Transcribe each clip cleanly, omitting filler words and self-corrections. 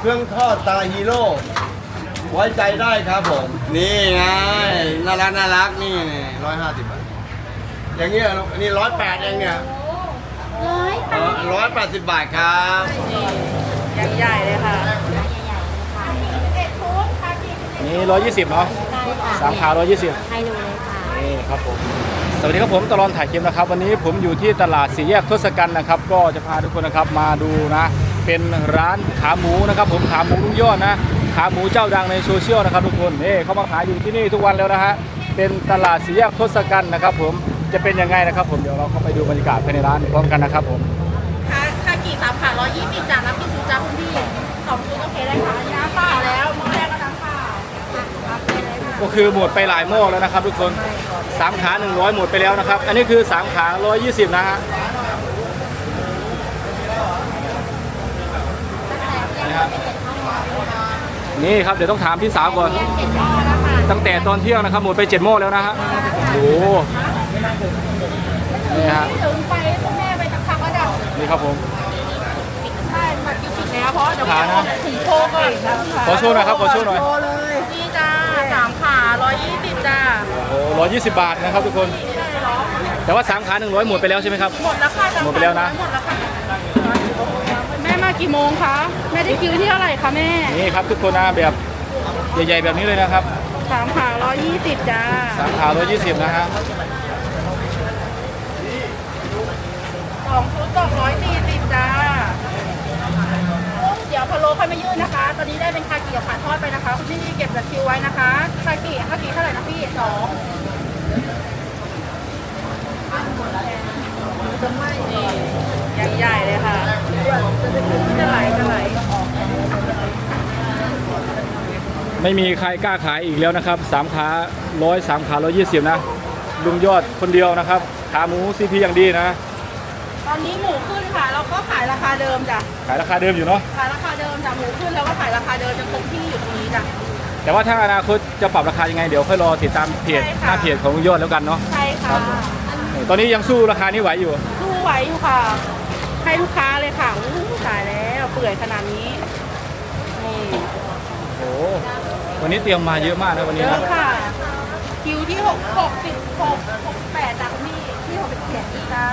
รื่องทอดตาฮีโร่ไว้ใจได้ครับผมนี่ไงน่ารักนี่150 บาทอย่างเงี้ยนี่108เองเนี่ย180 บาทครับยังใหญ่เลยค่ะนี่120เนาะสามขา120 ให้ดูเลยค่ะนี่ครับผมสวัสดีครับผมตลอดถ่ายคลิปนะครับวันนี้ผมอยู่ที่ตลาดสี่แยกทศกัณฐ์นะครับก็จะพาทุกคนนะครับมาดูนะเป็นร้านขาหมูนะครับผมขาหมูลุงยอดนะขาหมูเจ้าดังในโซเชียลนะครับทุกคนนี่เขามาขายอยู่ที่นี่ทุกวันแล้วนะฮะเป็นตลาดสี่แยกทศกัณฐ์นะครับผมจะเป็นยังไงนะครับผมเดี๋ยวเราเข้าไปดูบรรยากาศภายในร้านพร้อมกันนะครับผมค่ากี่3ขา120จ้าน้ำพริกชูจ้าคุณพี่2ชุดโอเคได้ค่ะน้ำเปล่าแล้วหม้อแรกก็น้ำเปล่ารับไปเลยค่ะก็คือหมดไปหลายหม้อแล้วนะครับทุกคนสามขา100หมดไปแล้วนะครับอันนี้คือสามขา120นะฮะนี่ครับเดี๋ยวต้องถามพี่สาวก่อนตั้งแต่ตอนเที่ยงนะครับหมดไป7หม้อแล้วนะฮะโอ้นี่ฮะถึงไปคุณแม่ไปทักก็ดับนี่ครับผมใช่บัตรคิดแล้วเพราะเดี๋ยวถึงโชว์ก่อนขอโชว์หน่อยครับขอโชว์หน่อยนี่จ้า3ขา120จ้าโอ้120 บาทนะครับทุกคนแต่ว่าสามขา100หมดไปแล้วใช่ไหมครับหมดแล้วค่ะหมดไปแล้วนะหมดแล้วค่ะแม่มากี่โมงคะแม่ได้คิวที่เท่าไหร่คะแม่นี่ครับทุกคนนะแบบใหญ่ๆแบบนี้เลยนะครับ 3ขา120จ้าสามขา120นะฮะ 2ชุด240จ้าเดี๋ยวพะโล้ค่อยมายื่นนะคะ ตอนนี้ได้เป็นคากิกับผัดทอดไปนะคะคุณพี่เก็บบัตรคิวไว้นะคะคากิเท่าไหร่นะพี่2ยังใหญ่เลยค่ะจะไหลไม่มีใครกล้าขายอีกแล้วนะครับสามขา100สามขา120นะลุงยอดคนเดียวนะครับขาหมูซีพีอย่างดีนะตอนนี้หมูขึ้นค่ะเราก็ขายราคาเดิมจ้ะขายราคาเดิมอยู่เนาะขายราคาเดิมจ้ะหมูขึ้นแล้วก็ขายราคาเดิมจะคงที่อยู่ตรงนี้จ้ะแต่ว่าถ้าอนาคตจะปรับราคายังไงเดี๋ยวค่อยรอติดตามเพจใช่หค่ะน้าเพจของลุงยอดแล้วกันเนาะใช่ค่ะตอนนี้ยังสู้ราคานี้ไหวอยู่สู้ไหวอยู่ค่ะ ให้ลูกค้าเลยค่ะอู้ตายแล้วเปื่อยขนาดนี้นี่โอ้วันนี้เตรียมมาเยอะมากนะวันเยนี้อะนะค่ะคิวที่68จากนี่ที่67จ้า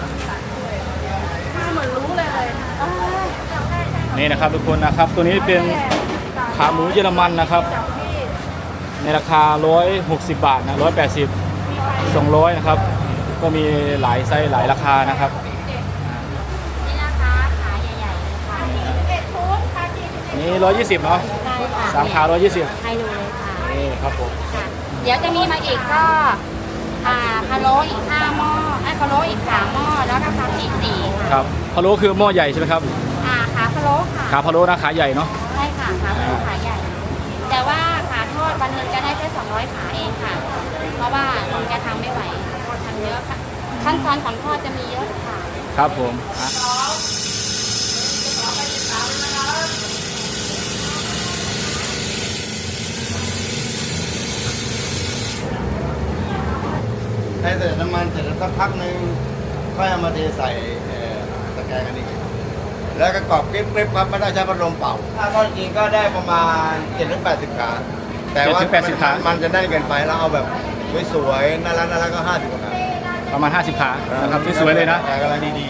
เหมือนรู้เลยเอ้ยนี่นะครับทุกคนนะครับตัวนี้เป็นขาหมูเยอรมันนะครับจากพี่ในราคา160 บาทนะ180 200นะครับก็มีหลายไซส์หลายราคานะครับนี่นะคะขาใหญ่ๆเลยค่ะ 11ชุดคากินี่120เนาะได้ค่ะสามขา120 ให้ดูเลยค่ะนี่ครับผมค่ะ เดี๋ยวจะมีมาอีกก็พะโล้อีก5หม้อพะโล้อีก3หม้อแล้วก็ขาอีก4 ครับพะโล้คือหม้อใหญ่ใช่ไหมครับขาพะโล้ค่ะขาพะโล้นะขาใหญ่เนาะใช่ค่ะขาพะโล้ขาใหญ่ แต่ว่าขาทอดวันหนึ่งจะได้แค่200ขาเองค่ะ เพราะว่าคงจะทำไม่ไหวทำเยอะค่ะขั้นตอนของทอดจะมีเยอะค่ะครับผมอ่ะให้ใส่น้ำมันเสร็จแล้วสักพักหนึ่งค่อยเอามาเทใส่ตะแกรงอันนี้แล้วก็กรอบกริบครับไม่ได้ใช้พัดลมเป่าถ้าทอดจริงก็ได้ประมาณ7-80 ขาแต่ว่ามันจะได้เกินไปแล้วเอาแบบสวยๆน่ารักก็50 ขาประมาณ50 ขานะครับสวยๆเลยนะแต่กำลังดี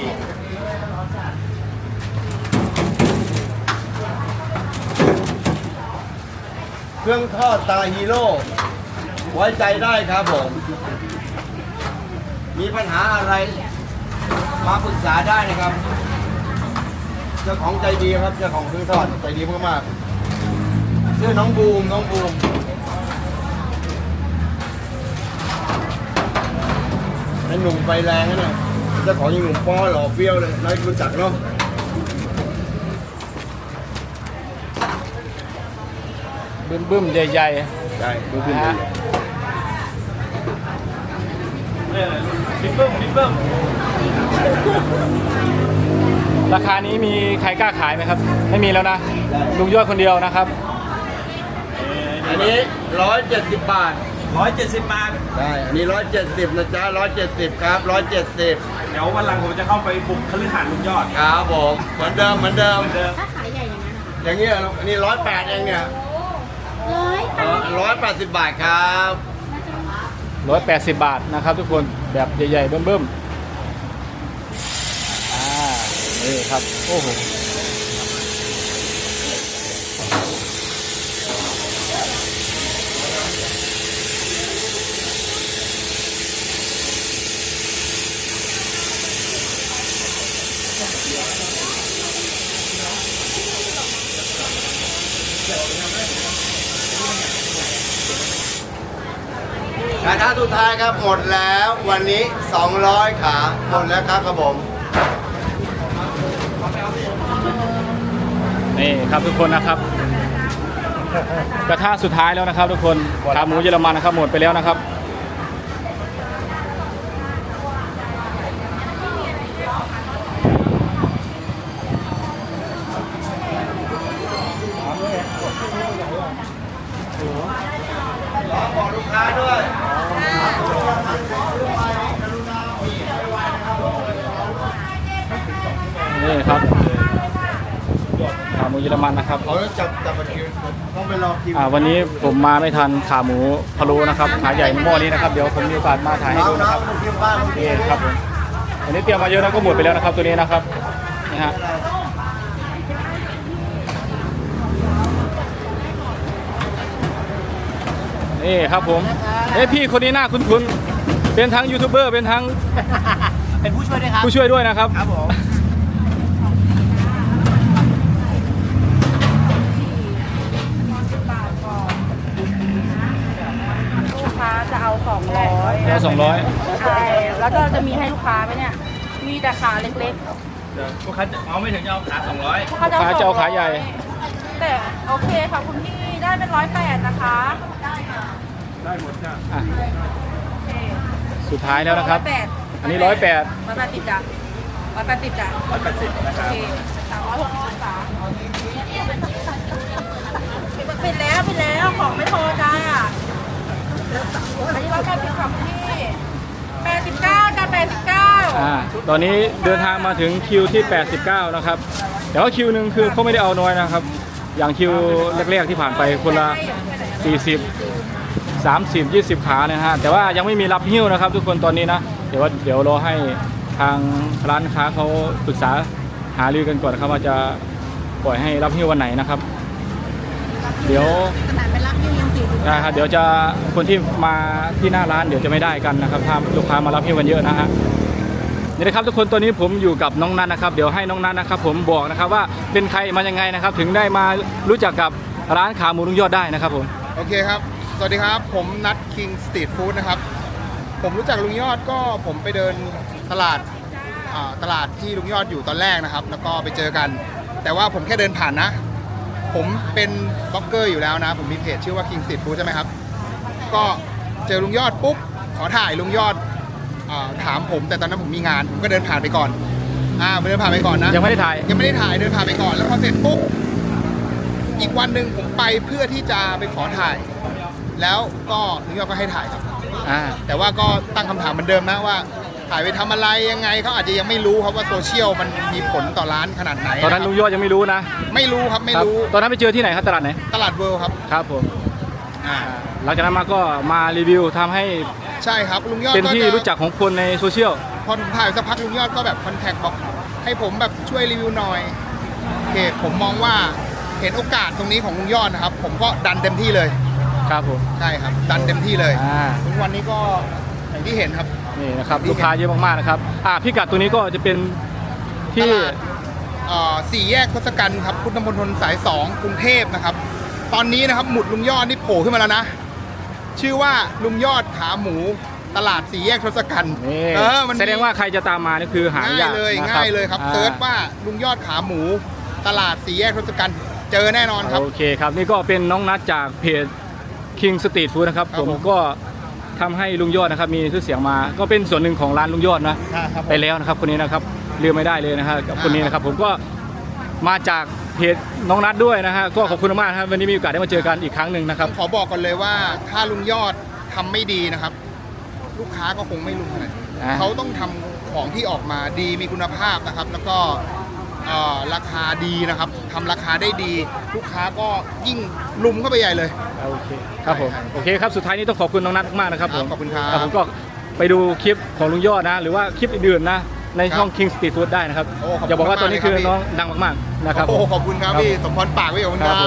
ๆเครื่องทอดตาฮีโร่ไว้ใจได้ครับผมมีปัญหาอะไรมาปรึกษาได้นะครับเจ้าของใจดีครับเจ้าของเครื่องทอดใจดีมากๆชื่อน้องบูมไอ้หนุ่มไฟแรงนะเนี่ยเจ้าของยังหนุ่มป้อหล่อเฟี้ยวเลยน้อยรู้จักเนาะบึ้มๆใหญ่ใช่ดูๆขึ้นนะดูฮะบึ้มราคานี้มีใครกล้าขายไหมครับไม่มีแล้วนะลุงยอดคนเดียวนะครับอันนี้170 บาท 170 บาทได้อันนี้170นะจ๊ะ170ครับ170 เดี๋ยววันหลังผมจะเข้าไปบุกคฤหาสน์ลุงยอดครับผมเหมือนเดิมถ้าขายใหญ่อย่างนั้นนะคะอย่างเงี้ยลูกอันนี้108เองเนี่ย 180 บาทครับ 180 บาทนะครับทุกคนแบบใหญ่ๆเบิ่มๆนี่ครับโอ้โหกระทะสุดท้ายครับหมดแล้ววันนี้200ขาหมดแล้วครับผมนี่ครับทุกคนนะครับกระทะสุดท้ายแล้วนะครับทุกคนขาหมูเยอรมันนะครับหมดไปแล้วนะครับบอกลูกค้าด้วยนี่ครับขาหมูเยอรมันนะครับเขาจับบัตรคิวต้องไปรอคิววันนี้ผมมาไม่ทันขาหมูพะโล้นะครับขาใหญ่หม้อนี้นะครับเดี๋ยวผมมีโอกาสมาถ่ายให้ดูนะครับคิวบ้านนี่ครับผมอันนี้เตรียมมาเยอะนะก็หมดไปแล้วนะครับตัวนี้นะครับนี่ฮะนี่ครับผมพี่คนนี้หน้าคุ้นๆเป็นทั้งยูทูบเบอร์เป็นทั้งเป็นผู้ช่วยด้วยครับผู้ช่วยด้วยนะครับครับผมลูกค้าจะเอา200 แล้ว200 ใช่แล้วก็จะมีให้ลูกค้าไหมเนี่ยมีแต่ขาเล็กลูกค้าเอาไม่ถึงจะเอาขา200 ๆลูกค้าจะขาจะเอาขาใหญ่แต่โอเคค่ะคุณพี่ได้เป็น108นะคะอ่ะสุดท้ายแล้วนะครับ 108 อันนี้108 180จ้ะ180จ้ะ 180นะคโอรับเค360องศาปิดแล้วของไม่พอจ้าอันนี้180ค่ะคุณพี่89จ้ะ89 ตอนนี้เดินทางมาถึงคิวที่ 89 นะครับ แต่ว่าคิวหนึ่งคือเขาไม่ได้เอาน้อยนะครับ อย่างคิวแรกๆที่ผ่านไปคนละ 40 30 20 ขานะฮะแต่ว่ายังไม่มีรับหิ้วนะครับ ทุกคนตอนนี้นะเดี๋ยวรอให้ทางร้านค้าเขาปรึกษาหารือกันก่อนนะครับว่าจะปล่อยให้รับหิ้ววันไหนนะครับ เดี๋ยวนะครับเดี๋ยวจะคนที่มาที่หน้าร้านเดี๋ยวจะไม่ได้กันนะครับถ้าลูกค้ามารับหิ้วกันเยอะนะฮะนี่นะครับทุกคนตอนนี้ผมอยู่กับน้องนัทนะครับเดี๋ยวให้น้องนัทนะครับผมบอกนะครับว่าเป็นใครมายังไงนะครับถึงได้มารู้จักกับร้านขาหมูลุงยอดได้นะครับผมโอเคครับ สวัสดีครับ ผมนัทคิงสตรีทฟู้ดนะครับ ผมรู้จักลุงยอดก็ผมไปเดินตลาดที่ลุงยอดอยู่ตอนแรกนะครับ แล้วก็ไปเจอกัน แต่ว่าผมแค่เดินผ่านนะ ผมเป็นบล็อกเกอร์อยู่แล้วนะ ผมมีเพจชื่อว่าคิงสตรีทฟู้ดใช่ไหมครับ ก็เจอลุงยอดปุ๊บ ขอถ่ายลุงยอดถามผม แต่ตอนนั้นผมมีงาน ผมก็เดินผ่านไปก่อนเดินผ่านไปก่อนนะยังไม่ได้ถ่ายยังไม่ได้ถ่าย เดินผ่านไปก่อน แล้วพอเสร็จปุ๊บ อีกวันหนึ่งผมไปเพื่อที่จะไปขอถ่าย แล้วก็ลุงยอดก็ให้ถ่ายครับ แต่ว่าก็ตั้งคำถามเหมือนเดิมนะว่าถ่ายไปทำอะไรยังไงเขาอาจจะยังไม่รู้ครับว่าโซเชียลมันมีผลต่อร้านขนาดไหนตอนนั้นลุงยอดยังไม่รู้นะไม่รู้ครับไม่รู้ตอนนั้นไปเจอที่ไหนครับตลาดไหนตลาดเวิลด์ครับครับผมหลังจากนั้นมาก็มารีวิวทำให้ใช่ครับลุงยอดเป็นก็ที่จะรู้จักของคนในโซเชียลพอผมถ่ายสักพักลุงยอดก็แบบคอนแทคบอกให้ผมแบบช่วยรีวิวหน่อยโอเคผมมองว่าเห็นโอกาสตรงนี้ของลุงยอดนะครับผมก็ดันเต็มที่เลยครับผมใช่ครับดันเต็มที่เลยอ่าทุกวันนี้ก็อย่างที่เห็นครับนี่นะครับลูกค้าเยอะมากๆนะครับพิกัดตัวนี้ก็จะเป็นที่ตลาด4 แยกทศกัณฐ์ครับพุทธมณฑลสาย 2 กรุงเทพนะครับตอนนี้นะครับหมุดลุงยอดนี่โผล่ขึ้นมาแล้วนะชื่อว่าลุงยอดขาหมูตลาด 4 แยกทศกัณฐ์นี่มันแสดงว่าใครจะตามมานี่คือหาง่ายยากเลยนะง่ายเลยครับเซิร์ชว่าลุงยอดขาหมูตลาด 4 แยกทศกัณฐ์เจอแน่นอนครับโอเคครับนี่ก็เป็นน้องนัทจากเพจ King Street Food นะครับครับผมผมก็ทำให้ลุงยอดนะครับมีชื่อเสียงมา ก็เป็นส่วนหนึ่งของร้านลุงยอดนะไปแล้วนะครับคนนี้นะครับลืมไม่ได้เลยนะฮะกับคนนี้นะครับผมก็มาจากเพจน้องนัทด้วยนะฮะก็ขอบคุณมากนะครับวันนี้มีโอกาสได้มาเจอกันอีกครั้งหนึ่งนะครับขอบอกก่อนเลยว่าถ้าลุงยอดทำไม่ดีนะครับ ลูกค้าก็คงไม่รู้ขนาดนี้เขาต้องทำของที่ออกมาดีมีคุณภาพนะครับ แล้วก็ราคาดีนะครับทำราคาได้ดีลูกค้าก็ยิ่งลุมเข้าไปใหญ่เลยโอเคครับผมโอเคครับสุดท้ายนี้ต้องขอบคุณน้องนัทมากๆนะครับผมขอบคุณครับผมก็ไปดูคลิปของลุงยอดนะ หรือว่าคลิปอื่นๆนะในช่อง King Street Food ได้นะครับโอ้ขอบคุณอย่าบอกว่าตัวนี้คือมากเลยครับน้องดังมากๆนะครับโอ้ขอบคุณครับพี่สมพรปากพี่ขอบคุณคครัรับบ ผม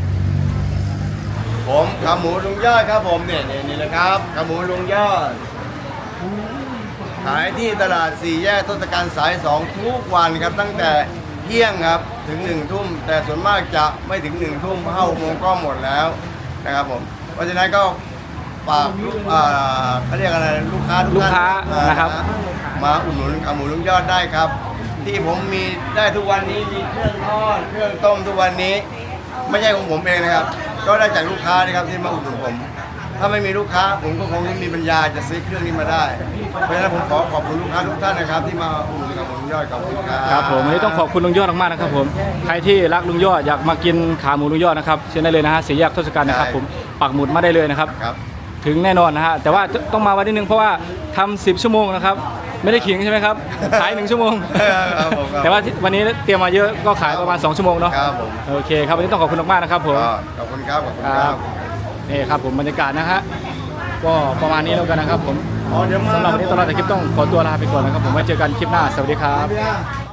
ผมขาหมูลุงยอดครับผมเนี่ยนี่เลยครับขาหมูลุงยอด ขายที่ตลาดสี่แยกทศกัณฐ์สาย 2 ทุกวันครับตั้งแต่เที่ยงครับถึง1 ทุ่มแต่ส่วนมากจะไม่ถึง1 ทุ่ม6 โมงก็หมดแล้วนะครับผมเพราะฉะนั้นก็ฝากเขาเรียกอะไรลูกค้าทุกท่านลูกค้านะครับมาอุดหนุนขาหมูลุงยอดได้ครับ ที่ผมมีได้ทุกวันนี้มีเครื่องทอดเครื่องต้มทุกวันนี้ ไม่ใช่ของผมเองนะครับ ก็ได้จากลูกค้านะครับที่มาอุดหนุนผม ถ้าไม่มีลูกค้าผมก็คงไม่มีปัญญาจะซื้อเครื่องนี้มาได้ เพราะฉะนั้นผมขอขอบคุณลูกค้าทุกท่านนะครับที่มาอุดหนุนกับผมยอดขอบคุณครับครับผมวันนี้ต้องขอบคุณลุงยอดมากๆนะครับผมใครที่รักลุงยอดอยากมากินขาหมูลุงยอดนะครับเชิญได้เลยนะฮะสี่แยกทศกัณฐ์นะครับผมปักหมุดมาได้เลยนะครับครับถึงแน่นอนนะฮะแต่ว่าต้องมาวันที่นึงเพราะว่าทำ10 ชั่วโมงนะครับไม่ได้ขิงใช่ไหมครับขาย1 ชั่วโมงครับผมครับแต่ว่าวันนี้เตรียมมาเยอะก็ขายประมาณ2 ชั่วโมงเนาะครับผมโอเคครับวันนี้ต้องขอบคุณมากๆนะครับผมก็ขอบคุณครับขอบคุณคครัรับบ นี่ครับผมบรรยากาศนะฮะก็ประมาณนี้แล้วกันนะครับผมอ๋อเดี๋ยวมาสำหรับวันนี้ตลอดแต่คลิปต้องขอตัวลาไปก่อนนะครับผมไว้เจอกันคลิปหน้าสวัสดีครับพี่